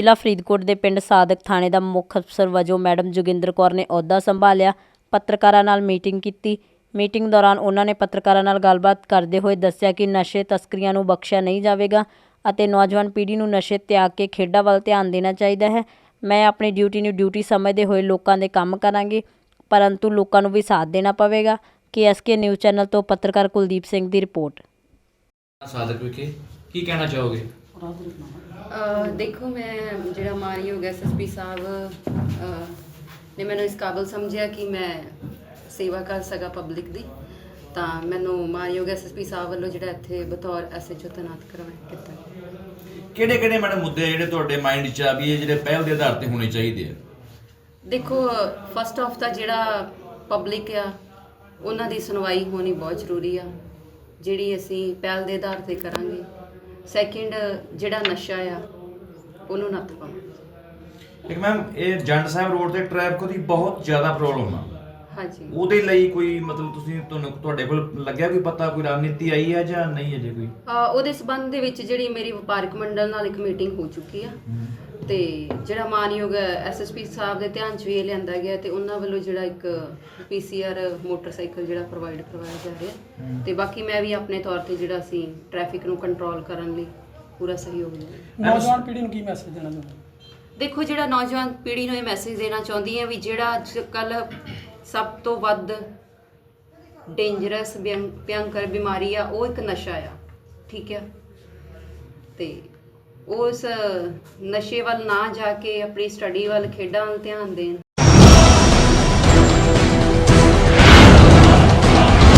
ਜ਼ਿਲ੍ਹਾ ਫਰੀਦਕੋਟ ਦੇ ਪਿੰਡ ਸਾਦਕ ਥਾਣੇ ਦਾ ਮੁੱਖ ਅਫਸਰ ਵਜੋਂ ਮੈਡਮ ਜੋਗਿੰਦਰ ਕੌਰ ਨੇ ਅਹੁਦਾ ਸੰਭਾਲਿਆ। ਪੱਤਰਕਾਰਾਂ ਨਾਲ ਮੀਟਿੰਗ ਕੀਤੀ। ਮੀਟਿੰਗ ਦੌਰਾਨ ਉਹਨਾਂ ਨੇ ਪੱਤਰਕਾਰਾਂ ਨਾਲ ਗੱਲਬਾਤ ਕਰਦੇ ਹੋਏ ਦੱਸਿਆ ਕਿ ਨਸ਼ੇ ਤਸਕਰੀਆਂ ਨੂੰ ਬਖਸ਼ਿਆ ਨਹੀਂ ਜਾਵੇਗਾ ਅਤੇ ਨੌਜਵਾਨ ਪੀੜ੍ਹੀ ਨੂੰ ਨਸ਼ੇ ਤਿਆਗ ਕੇ ਖੇਡਾਂ ਵੱਲ ਧਿਆਨ ਦੇਣਾ ਚਾਹੀਦਾ ਹੈ। ਮੈਂ ਆਪਣੀ ਡਿਊਟੀ ਨੂੰ ਡਿਊਟੀ ਸਮਝਦੇ ਹੋਏ ਲੋਕਾਂ ਦੇ ਕੰਮ ਕਰਾਂਗੀ, ਪਰੰਤੂ ਲੋਕਾਂ ਨੂੰ ਵੀ ਸਾਥ ਦੇਣਾ ਪਵੇਗਾ। KSK ਨਿਊਜ਼ ਚੈਨਲ ਤੋਂ ਪੱਤਰਕਾਰ ਕੁਲਦੀਪ ਸਿੰਘ ਦੀ ਰਿਪੋर्ट। ਸਾਦਕ ਵਿਖੇ ਕੀ ਕਹਿਣਾ ਚਾਹੋਗੇ? देखो, मैं ਜਿਹੜਾ ਮਾਨਯੋਗ SSP ਸਾਹਿਬ ਨੇ ਮੈਨੂੰ ਇਸ ਕਾਬਲ ਸਮਝਿਆ ਕਿ ਮੈਂ ਸੇਵਾ ਕਰ ਸਕਾਂ ਪਬਲਿਕ ਦੀ, ਤਾਂ ਮੈਨੂੰ ਮਾਨਯੋਗ SSP ਸਾਹਿਬ ਵੱਲੋਂ ਜਿਹੜਾ ਇੱਥੇ ਬਤੌਰ SHO ਤੈਨਾਤ ਕਰਵਾਇਆ ਕੀਤਾ। ਕਿਹੜੇ ਮੈਡਮ ਮੁੱਦੇ ਜਿਹੜੇ ਤੁਹਾਡੇ ਮਾਈਂਡ 'ਚ ਆ ਵੀ ਇਹ ਜਿਹੜੇ ਪਹਿਲ ਦੇ ਆਧਾਰ ਤੇ ਹੋਣੇ ਚਾਹੀਦੇ ਆ? ਦੇਖੋ, ਫਸਟ ਆਫ ਤਾਂ ਜਿਹੜਾ ਪਬਲਿਕ ਆ ਉਹਨਾਂ ਦੀ ਸੁਣਵਾਈ ਹੋਣੀ ਬਹੁਤ ਜ਼ਰੂਰੀ ਆ, ਜਿਹੜੀ ਅਸੀਂ ਪਹਿਲ ਦੇ ਆਧਾਰ ਤੇ ਕਰਾਂਗੇ। ਸੈਕਿੰਡ, ਜਿਹੜਾ ਨਸ਼ਾ ਆ ਉਹਨੂੰ ਨੱਥ ਪਾਵਾਂਗੇ। ਇੱਕ ਮੈਮ, ਇਹ ਜੰਡ ਸਾਹਿਬ ਰੋਡ ਤੇ ਟ੍ਰੈਫਿਕ ਦੀ ਬਹੁਤ ਜ਼ਿਆਦਾ ਪ੍ਰੋਬਲਮ ਆ। ਹਾਂਜੀ, ਉਹਦੇ ਲਈ ਕੋਈ ਮਤਲਬ ਤੁਹਾਡੇ ਕੋਲ ਲੱਗਿਆ ਕੋਈ ਪਤਾ, ਕੋਈ ਰਣਨੀਤੀ ਆਈ ਹੈ ਜਾਂ ਨਹੀਂ ਅਜੇ ਕੋਈ? ਉਹਦੇ ਸਬੰਧ ਦੇ ਵਿੱਚ ਜਿਹੜੀ ਮੇਰੀ ਵਪਾਰਕ ਮੰਡਲ ਨਾਲ ਇੱਕ ਮੀਟਿੰਗ ਹੋ ਚੁੱਕੀ ਆ ਤੇ ਜਿਹੜਾ ਮਾਨਯੋਗ SSP ਸਾਹਿਬ ਦੇ ਧਿਆਨ 'ਚ ਵੀ ਇਹ ਲਿਆਂਦਾ ਗਿਆ ਤੇ ਉਹਨਾਂ ਵੱਲੋਂ ਜਿਹੜਾ ਇੱਕ PCR ਮੋਟਰਸਾਈਕਲ ਜਿਹੜਾ ਪ੍ਰੋਵਾਈਡ ਕਰਵਾਇਆ ਜਾ ਰਿਹਾ ਤੇ ਬਾਕੀ ਮੈਂ ਵੀ ਆਪਣੇ ਤੌਰ ਤੇ ਜਿਹੜਾ ਅਸੀਂ ਟ੍ਰੈਫਿਕ ਨੂੰ ਕੰਟਰੋਲ ਕਰਨ ਲਈ ਪੂਰਾ ਸਹਿਯੋਗ ਦਿੰਦੇ। ਨੌਜਵਾਨ ਪੀੜ੍ਹੀ ਨੂੰ ਕੀ ਮੈਸੇਜ ਦੇਣਾ ਚਾਹੁੰਦੇ? ਦੇਖੋ, ਜਿਹੜਾ ਨੌਜਵਾਨ ਪੀੜ੍ਹੀ ਨੂੰ ਇਹ ਮੈਸੇਜ ਦੇਣਾ ਚਾਹੁੰਦੀ ਹਾਂ ਵੀ ਜਿਹੜਾ ਅੱਜ ਕੱਲ੍ਹ ਸਭ ਤੋਂ ਵੱਧ ਡੇਂਜਰਸ ਭਿਅੰਕਰ ਬਿਮਾਰੀ ਆ ਉਹ ਇੱਕ ਨਸ਼ਾ ਆ, ਠੀਕ ਆ, ਤੇ ਉਸ ਨਸ਼ੇ ਵੱਲ ਨਾ ਜਾ ਕੇ ਆਪਣੀ ਸਟੱਡੀ ਵੱਲ, ਖੇਡਾਂ ਵੱਲ ਧਿਆਨ ਦੇਣ